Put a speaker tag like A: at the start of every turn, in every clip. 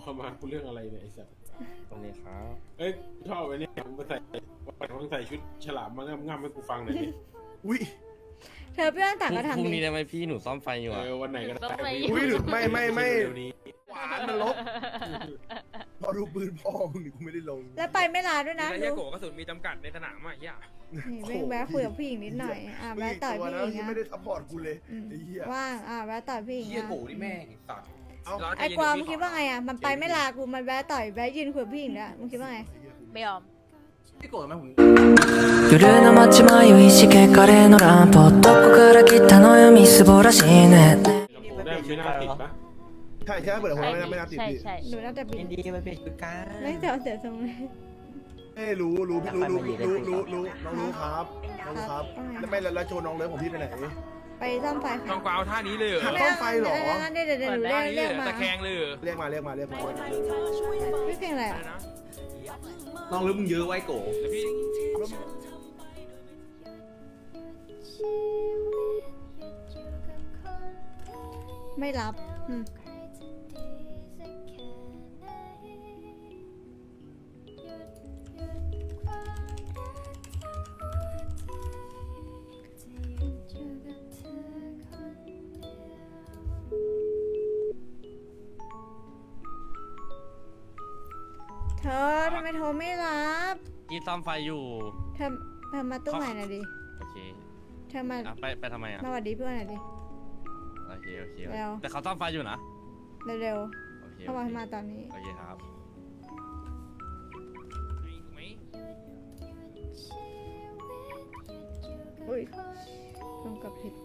A: เข้ามากูเรื่องอะไรเนี่ยไอ้สัส
B: วันนี้ครับ
A: เอ้ยชอบไอ้เนี่ยมึงไปใส่มึงใส่ชุดฉลามมาง่ำให้กูฟังหน่อยดิ
C: อุ้ย
D: เธอพี่วันต่างก็
B: พรุ่ง
D: ทำ
B: นี้ได้ไหมพี่หนูซ่อมไฟอยู่อะ
A: วันไหนก็ได้
C: อุ้ยหรือไม่
A: เดี๋ยวนี้
C: หวานมันลบพอดูปืนพ่อมึงนี่กูไม่ได้ลง
D: แล้วไปไม่ลาด้วยนะ
E: ไอ้
D: ดู
E: เหี้ยโกะกระสุนมีจำกัดในสนามอ่ะเหี้ย
D: นี่แวะคุยกับผู้หญิงนิดหน่อยแวะต่อยผู้หญิง
C: ที่
D: นะ
C: ไม่ได้ซัพพอร์ตกูเลย
D: อืม
C: ไอ้เหี้ย
D: ว่างแวะต่อยผู้หญิง
F: เฮีย
D: นะ
F: โกนี่แม่งสัตว์
C: เอา
D: ไอ้กวางมึงคิดว่าไงอ่ะมันไปไม่ลากูมันแวะต่อยแวะยืนคุยกับผู้หญิงแล้วมึงคิดว่าไง
G: ไม่ยอม
F: พี่โกรธไหมผม
H: 夜の街迷いしけカレーのランプどこから来たのよみすぼらしいね
A: ได้ไม่น่าติดปะ
C: ใช่ใช่เปิดหัวไม่น่าติด
G: ใช่
C: พี่
G: ใช่
D: หนูน่าจะบิน
H: ดีมาเป็นชุดกัน
D: ไม่เจอเสียทรงเลย
C: เอ้รู้พี่รู้น้องรู้ครับแล้วไม่แล้วโชว์น้องเลิฟของพี่ไปไหน
D: ไปซ่อมไฟ
E: น้องกวาวท่านี้เลยเหรอ
C: ซ่อมไฟเหรอ
D: งั้นเดี๋ยวหนู
E: ท่า
D: เรียก
E: นี้เลย
D: มา
E: ตะแคงเลยเหรอ
C: เรียกมา
D: พี่เพลงอะไร
E: อะไร
D: อ่ะ
E: นะ
F: น้องหรือมึงเยอะไว้โก
E: เดี๋ยวพี่
D: ไม่รับเธอทำไมโทรไม่รับ
B: พี่ซ่อมไฟอยู่
D: เธอมาตู้ใหม่หน่อยดิ
B: โอเค
D: เธอมา
B: ไปทำไมอะ
D: มาหวัดดีเพื่อนหน่อยดิ
B: โอเค
D: แล้ว
B: แต่เขาซ่อมไฟอยู่นะ
D: เร็ว
B: โอเค
D: ๆเข้ามาตอนนี้
B: โอเคครับ
E: ถูกไหม
D: อุ้ยลงกับผิด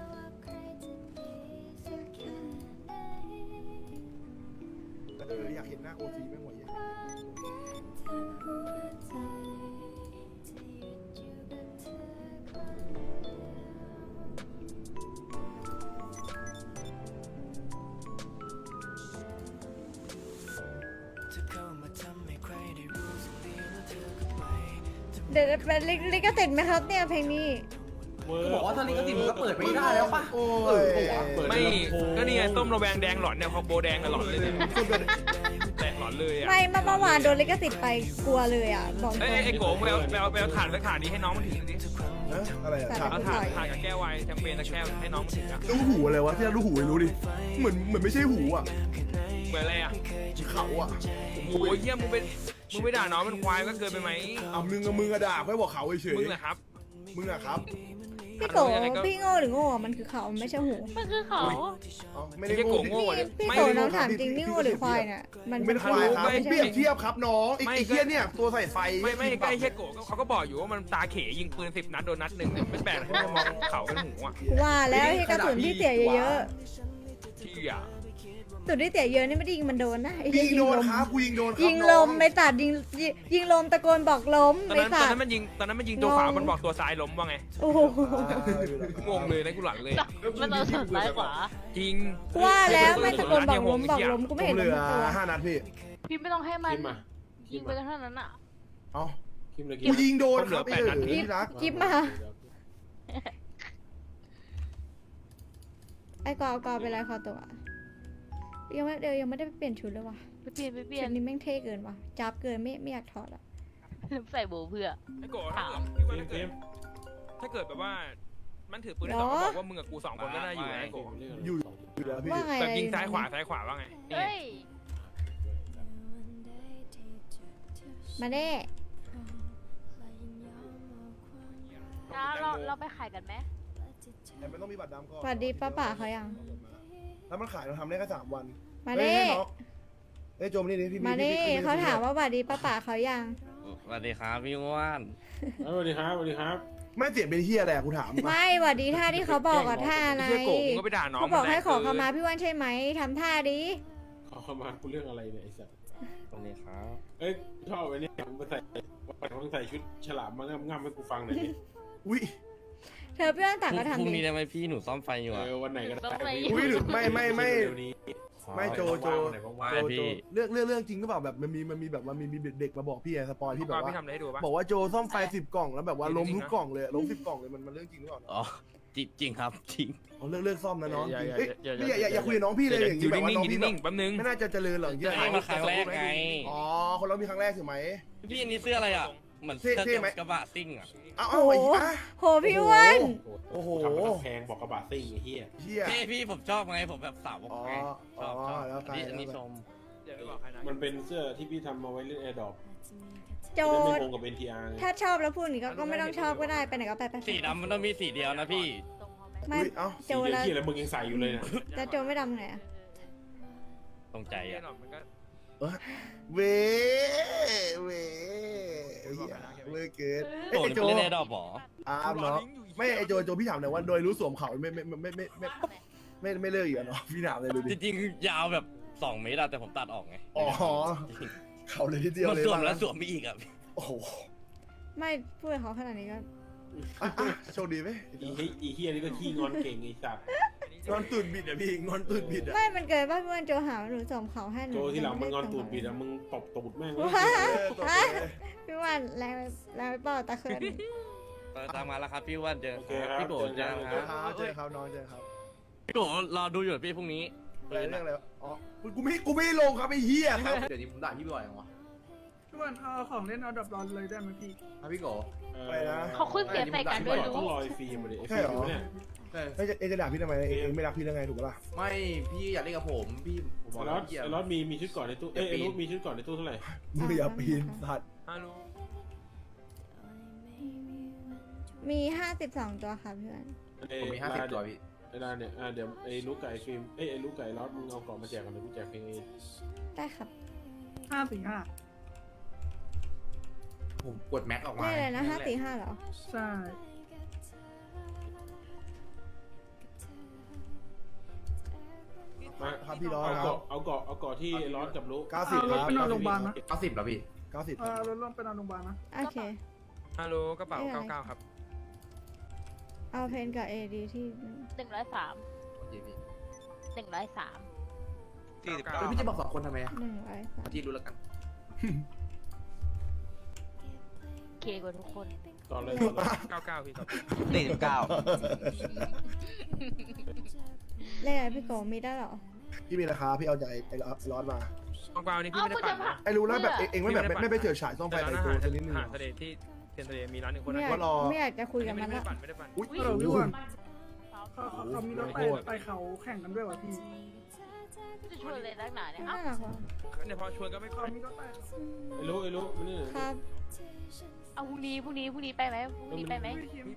C: อยากเห็นหน้าโอซีไม่ไหวอย่าง
D: เดี๋ยวเป็นลิขสิทธิ์ไหมครับเนี่ยเพลงนี้
F: บอกว่าตอนนี้ก็ติดมึงก็เปิดไม่ได้แล้วป่ะ
C: โอ้ย
E: ไม่ก็นี่ไงต้มระแวงแดงหลอนเนี่ยคอมโบแดงน่ะหลอนเลยเนี่ยแตะหลอนเลยอ่ะ
D: ไม่เมื่อวานโดนลิขสิทธิ์ไปกลัวเลยอ่ะบอกตร
E: เอ้
D: ง
E: ยไอ้โกะไปเอาถ่านสักถ่านนี้ให้น้องมันถือดิ
C: อะไรอะ
E: เอาถ่านกับแก้วไวน์แชมเปญสักแก้วให้น้องมันถืออะ
C: รู้หูอะไรวะที่เรารู้หูไม่รู้ดิเหมือนไม่ใช่หูอ่ะ
E: เหมือนอะไรอ่ะ
C: เขาอ่ะ
E: โอ้ยเยี่ยมมึงไปด่าน้องมันควายก็เกินไปไหม
C: เอามึงอะด่าไม่บอกเขาเฉย
E: มึงเหรอครับ
C: มึงอะครับ
D: พี่โกพี่โง่หรือโง่มันคือเขาไม่ใช่หู
G: มันคือเขา
C: ไม่ได้
E: ไอ้
C: โง่
E: โกะโง่อะ
D: พี่
E: ไม่
D: โกน้องถามจริงนี่โง่หรือควายเนี่ยมัน
C: ไม่ได้ควายครับ
D: ไม่
C: เปรี
D: ใช่
C: ยบเทียบครับน้องไอ้เหี้ยเนี่ยตัวใส่ไฟ
E: ไม่ใกล้แค่โกะเขาก็บอกอยู่ว่ามันตาเขยยิงปืน10 นัดโดนนัดหนึ่งเนี่ยไม่แปลกที่จะมองเขาเป็นหูอ่ะ
D: ว่าแล้วที่กระสุนที่เสียเยอะ
E: ที่อ่ะ
D: ๆสุดที่เสียเยอะนี่ไม่ได้ยิงมันโดนนะไอ้
C: ยิ
D: เหี้ย
C: งโดน
D: ลม
C: ครับกูยิงโดนครับ
D: ยิงลมไม่ตัดยิงลมตะโกนบอกล้ม
E: ตอน
D: ไม่
E: นั้น
D: ตัด
E: มันยิงตัวขวามันบอกตัวซ้ายล้มว่าไง
D: โอ้โห
E: งงเลยนะกูหลังเลย
G: มันต้องสนซ้ายขวา
E: จริง
D: ว่าแล้วไม่ตะโกนบอกล้มกูไม่
C: ผม
D: เห็น
C: เหลื
D: ล้
C: อ
D: มตัว
C: 5 นัดพี่
G: พี่ไม่ต้องให้มัน
A: คิมมา
G: ยิงไปเท่านั้นอ่ะ
C: เอ้า
A: คิมเลย
C: กูยิงโดนครับไอ้ที่รัก
D: กิ๊บมาไอ้กอเป็นไรคอตัวยังไม่ได้ไปเปลี่ยนชุดเลยว่ะ
G: ไปเปลี่ยน
D: ชุดนี้แม่งเท่เกินว่ะจับเกินไม่อยากถอดอ่ะ
G: ใส่โบเพื่อ
E: ไอ้โกะ
G: ถาม
E: ถ้าเกิดแบบว่ามันถือปืนได้สองบอกว่ามึงกับกู2 คนก็น่าอยู่นะไอ้โกะ
C: อยู่แล้วพี่
D: ว่าไง
E: แบบยิงซ้ายขวาว่าไง
G: เฮ้ย
D: มาเน่
G: นะเราไปขายกันไหม
C: แต่ไม่ต้องมีบัตรดำก่อน
D: สวัสดีป้าป่าเขายัง
C: แล้วมันขายเราทำได้แค่3 วัน
D: มาเน่
C: เอ้ยโจมนี่ดิพี่
D: มาเน่เขาถามว่าสวัสดีป้าป่าเขายัง
B: สวัสดีครับพี่อ้วน
A: สวัสดีครับสวัสดีครับ
C: ไม่เสียงเป็นเฮียอะไรกูถาม
D: ไม่สวัสดีท่าที่เขาบอกกับท่าอะไร
E: ไอ้โกะมึงก็ไปด่าน้อง
D: เขาบอกให้ขอขมาพี่วันใช่ไหมทำท่าดิ
A: เข้ามากูเรื่องอะไรเนี่ยไอ้สัส
B: วันนี้ครับ
A: เอ้ยชอบไอ้เนี่ยมึงไปใส่มึงใส่ชุดฉลามมาง่ำให้กูฟังหน่อยดิ
C: อุ้ย
D: เธอพี่วันต่างก็
B: พรุ่
D: ทำ
B: ง
D: ดิ
B: นี้ได้ไหมพี่หนูซ่อมไฟอยู่อะ
A: วันไหนก็ได้
C: อุ้ยหรือไม่
A: เดี๋ยวนี้
C: ไม่โจ
A: ว่าง
C: เรื่องจริงก็แบบมันมีแบบว่ามีเด็กมาบอกพี่ไงสปอยพี่แบบ
E: พี่
C: ว่า
E: ทำอะไรให้ดูปะ
C: บอกว่าโจซ่อมไฟ10 กล่องแล้วแบบว่าล้มทุกกล่องเลยล้ม10 กล่องเลยมันเรื่องจริงหรือเปล่า
B: อ๋อจริงครับจริง
C: เอาเลิกซ่อมนะน้อง
E: อย่า
C: เอ้ย
E: อย่า
C: อย่าคุยกับน้องพี่เลยอย่าง
E: อยู่
C: นี้แบบว่า
E: นิ่ง
C: น้อง
E: ๆอยู่
C: พี่แบ
E: นิ่
C: บ
E: งๆแป๊บนึง
C: ไม่น่าจะเจริญหรอกอย่างเงี้ย
B: นี่มาครั้งแรกไง
C: อ๋อคนเรามีครั้งแรกถูกไหม
B: พี่อันนี้เสื้ออะไรอ่ะเหมือนเสื้อ
C: เท่ไหม
B: กระบะซิ่งอ่ะ
C: เอา
D: โอ้
C: เอา
D: โห
C: ไอ้เหี้ย
D: โหพี่อ้วน
C: โอ้โห
A: ทำมาแพงบอกกระบะซิ่งไอ้เหี้ย
C: เฮีย
B: เท่พี่ผมชอบไงผมแบบสาวก
C: อ๋อ
B: ไงชอบ
C: อ๋อแล้วไป
B: อันนี้ชม
E: อย่าไปบอกใครนะ
A: มันเป็นเสื้อที่พี่ทำมาไว้เล่นแอร์ดรอป
D: โจ
A: จะได้ไม่
D: ด
A: ตรงกับ NTR ไง
D: ถ้าชอบแล้วพูดอย่างนี้ก็ไม่ต้องชอบก็ได้ไปไหนก็ไปไป
B: สีดำมันต้องมีสีเดียวนะพี่
G: ตรงพอไหม
D: ไม่
C: อุ๊ยเอ้า
D: โจ
A: สีเดียว
D: แล้ว
A: ที่อะไรมึงยังใส่อยู่เลยนะ
D: จะโจไม่ดำไงอะ
B: ตรงใจ
E: แน่
B: อ่ะ
E: นอนมันก็
C: เวเวไอ้เหี้ยเวเกิน
B: โอ้
C: ไอ้
B: ย
C: โจ
B: ไปเล่นแอร์ดรอปหรอ
C: เนาะไม่ไอ้โจพี่ถามหน่อยว่าโดยรู้สวมเขาไม่เลิกอีกเนาะพี่ถามเลยดู
B: จ
C: ดิ
B: ริงๆยาวแบบ2 เมตรอะแต่ผมตัดออกไง
C: อ๋อเขาเลยทีเดียว
B: มัน
C: เลย
B: สวมแล้วสวมไปอีกอ่ะ
C: โอ้โห
D: ไม่พูดกับเขาขนาดนี้ก็
C: โชคดีไหม
A: อีเหี้ยนี่ก็ขี้งอนเก่งไอ้สัตว์
C: งอนตุ่นบิดอะพี่งอนตุ่นบิดอะ
D: ไม่มันเกิดว่าพี่อ้วนโจหาว่าหนูสวมเขาให้หนู
A: โจที่หลังมึงงอนตูดบิดอะมึงตบตูดแม่งเลย
D: พี่อ้วนแรงไปเปล่าตะเคิน
B: ตามมาแล้วครับพี่อ้วันเจอ
A: โอเคครับ
B: พี่โบ
A: เจอ
B: เจ
A: กั
B: อน ค
C: ค
B: รั
C: รับ บเจอครับน้องเจอครับ
B: พี่โบรอดูอยู่พี่พรุ่งนี้
C: อะไรเรื่องอะไรอ๋อกูไม่ลงครับไอ้เหี้ยครับ
F: เดี๋ยวนี้ผมด่าพี่บ่อยจังวะ
I: พี่วันเอาของเล่นเอาดับร้อนเลยได้ไหมพี่
F: ครับพี่โก
C: ไปนะ
G: เขาขึ้นเสียงใส่กันด้วย
A: ต้อง
G: รู้
A: รอไอ้ฟิล์มมาดิไอ้ฟิล์มอยู่เนี่ย
C: เอ็งจะด่าพี่ทำไมเอ็งไม่รักพี่ได้ไงถูกปะล่ะ
F: ไม่พี่อยากเล่นกับผมพี่ผมบอก
A: ไอ้
F: แล้
A: ร
F: ว
A: ถ
F: พี่เกียร์
A: ไอ้รถมีชุดก่อนในตู้ไอ้รถมีชุดก่อนในตู้เท่าไหร่
C: มึงอย่าปีนสัตว์
E: ฮัลโหล
D: มี52ตัวค่ะพี่อ้วน
F: ผมมี50 ตัวพี่
A: ไอ้ดานเนี่ยเดี๋ยวไอ้ลูกไก่ฟิล์มไอ้ลูกไก่รถมึงเอากล่องมาแจกกันเลยกูแจกเพลงเอง
D: ได้ครับ
I: 545
F: ผมกดแม็กออกมา
D: ได้เลยนะ545เหรอ
I: ใช่
A: มา
C: ครับพี่ร้อง
A: เอา
C: ครั
A: เกาะ
C: บ
A: เอาเกาะเอาเกาะที่ร้อนกับลูก
C: 90
I: เอา
C: ค
I: รถ
C: รับ
I: ไปนอนโรงพยาบาลนะ
F: 90แล้วพี่
C: 90
I: รถลงไปนอนโรงพยาบาลนะ
D: โอเค
E: ฮัลโหลกระเป๋า99ครับ
D: เอาเพนกับเอดีที่
G: 103
F: โอเคพี่
G: 103
F: เฮ้ยพี่จะบอก2 คนทำไมอะ
D: 103
F: พี่รู้แล้วกัน
G: เคกว่าทุกคน
A: ตอนเลย
E: 99พี่ครับ
D: เลขอะไรพี่โกมีได้เหรอ
C: พี่มีราคาพี่เอาจากไอ้ร้อนมา
E: กวางๆนี่พี่ไม่ได้ปั่นนะ
C: ไอ้รู้แล้วแบบเอ็งไม่แบบไม่ไปเฉิดฉายซ่อมไฟ
E: แต่
C: ใน
E: ร้านอา
C: ตั
E: หาว ร
C: จะนิดนึง
E: หาทะเลที่เทียนทะเลมีร้านหนึ่งคน
D: ไม่
E: นะ
D: อยาก
C: รอ
D: ไม่อยากจะคุยกับ
E: ไม่
D: มัน
E: ได้
D: ละ
E: ปั่นไม่ได้ปั่น
C: อุ้ย
I: ฮัลโหลพี่วัน
G: ซ้อม
I: เขามีรถไปเขาแข่งกันด้วยวะพี่
G: จะชวนเลยนักหนาเนี่ย
D: น่า
G: เอ้า
D: รักว่ะ
E: เนี่ยพอชวนก็ไม่
I: เขา
E: ค่อย
I: มีรถไป
A: ไอ้ลูกมันนี่
D: ครับ
G: เอาพรุ่งนี้ไปไหมพรุ่งนี้ไปไหม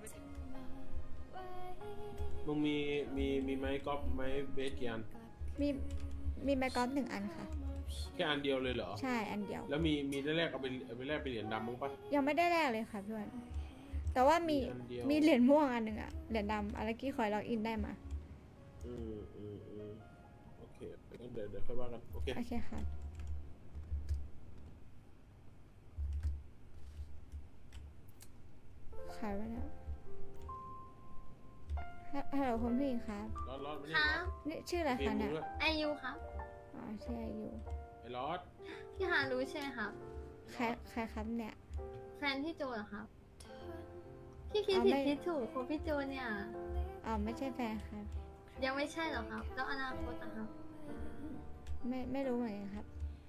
A: มึงมีไม้กอล์ฟไม้เบสกี่อัน
D: มีแบกกอล์ฟ1 อันค่ะ
A: แค่อันเดียวเลยเหรอ
D: ใช่อันเดียว
A: แล้วมีได้แรกเอาไปแลกไปเหรียญดำมั้งปะ
D: ยังไม่ได้แลกเลยค่ะพี่อ้วนแต่ว่ามี
A: อันเดียว
D: มีเหรียญม่วงอันหนึ่งอะเหรียญดำอะไรกี้คอยล็อกอินได้มา
A: อืมโอเคงั้นเดี๋ยวค่อยว่ากันโอเค
D: โอเคค่ะขายไปแล้วฮัลโหลคุณผู้หญิงครับ
A: รอดมา
J: ค
A: นี่
J: รับ
D: นี่ชื่ออะไร
A: เพล
D: คะ
A: งมึ
D: เนี่
A: ง
D: ย
A: ด้วย
J: ไอยูครับ
D: อ๋อชื่ออายุ
A: ไอ้รอด
J: พี่ฮารู้ใช่ไหมครับ
D: ใครครับเนี่ย
J: แฟนพี่โจเหรอครับ พี่คิด
D: อ๋อ
J: ผิด
D: ไม่
J: คิดถูกคุณพี่โจเนี่ย
D: อ๋อไม่ใช่แฟนครับ
J: ยังไม่ใช่เหรอครับ แล้วอนาคตอะครับ
D: ไม่รู้เหมือนกันครับ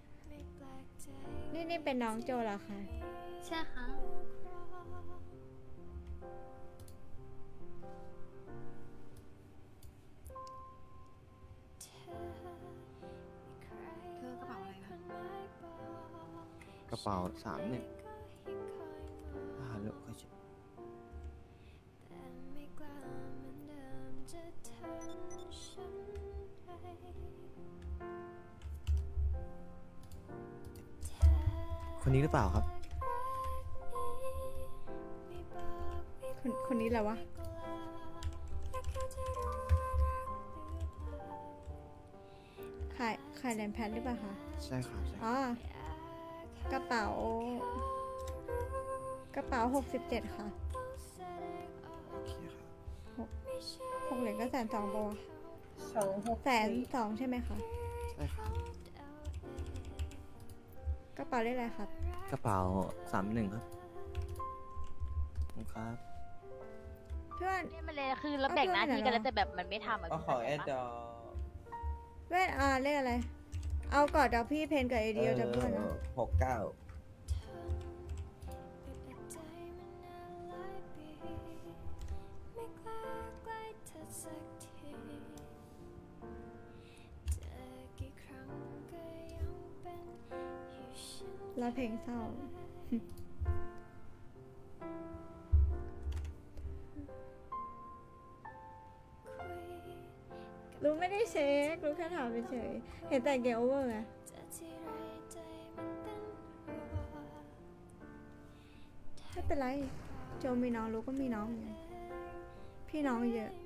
D: นี่เป็นน้องโจเหรอคะ
J: ใช่ครับ
G: เธอกระเป๋าอะไรคะ
K: กระเป๋า31แล้วก็จะคนนี้หรือเปล่าครับ
D: คนนี้แหละวะขายเหรียญแพทหรือเปล่าคะ
K: ใช่ครับใช่
D: อ๋อ กระเป๋า 67 ค่ะ
K: โอเคครับ
D: 6 เหรียญก็120,000ปะวะ120,000ใช่ไหมคะ
K: ใช่ครับ
D: กระเป๋าได้อะไรครับ
K: กระเป๋า31ครับขอบคุณครับ
D: พี่อ้วน
G: นี่มันเลยคือเราแบ่งหน้าที่กันแล้วแต่แบบมันไม่ทำอะ
F: เอา
G: พี่
F: ของ
G: เข้า
F: แอ
G: ใจ
F: ด
G: ปะ
F: ดอ
D: แว่นเลขอะไร เอาก่อนเดี๋ยวพี่เพนกับไอเดียจะเพื่อนนะ
F: 69
D: แล้วเพลงเศร้า รู้ไม่ได้เช็ครู้แค่ถามเฉยๆเห็นแต่เกมโอเวอร์ไงไม่เป็นไร โจมีน้องรู้ก็มีน้องเหมือนกันพี่น้องเยอะ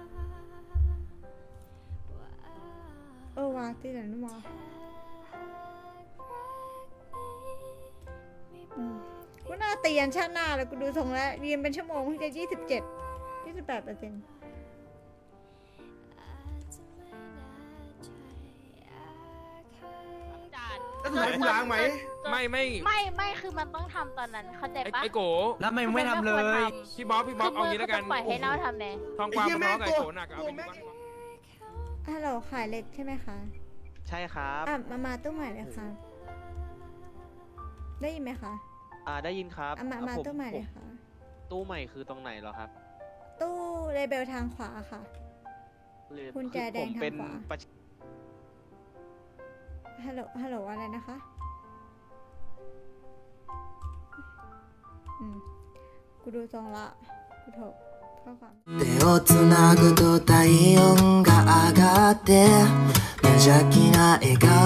D: วาตีหลังนู่นวะกูน่าตียันชาติหน้าแล้วกูดูทรงแล้วเรียนเป็นชั่วโมงเพิ่งจะ28%
G: จาน
C: แล้วสุดท้ายกูล้างไหม
E: ไม่
G: คือมันต้องทำตอนนั้นเข้าใจปะ
E: ไอ้โก
F: แล้วไม่ไม่ทำเลย
E: พี่บ๊อบเอางี้แล้วกัน
G: ปล่อยให้เน่าทำแน่
E: ทองกวางมาร้องกับไอ้โกหนักเอาไปดูว่า
D: ฮัลโหลขายเหล็กใช่ไหมคะ
K: ใช่ครับ
D: มาตู้ใหม่เลยค่ะ ได้ยินไหมคะ
K: ได้ยินครับ
D: มาตู้ใหม่เลยค่ะ
K: ตู้ใหม่คือตรงไหนเหรอครับ
D: ตู้เลเบลทางขวาค่ะ กุญแจแดง
K: ผมเป็น
D: ทางขวา
K: ประ
D: ฮัลโหลอะไรนะคะกูดูทรงละกูโทรข้อความ
H: 手をつなぐと体温が上がって無邪気な笑顔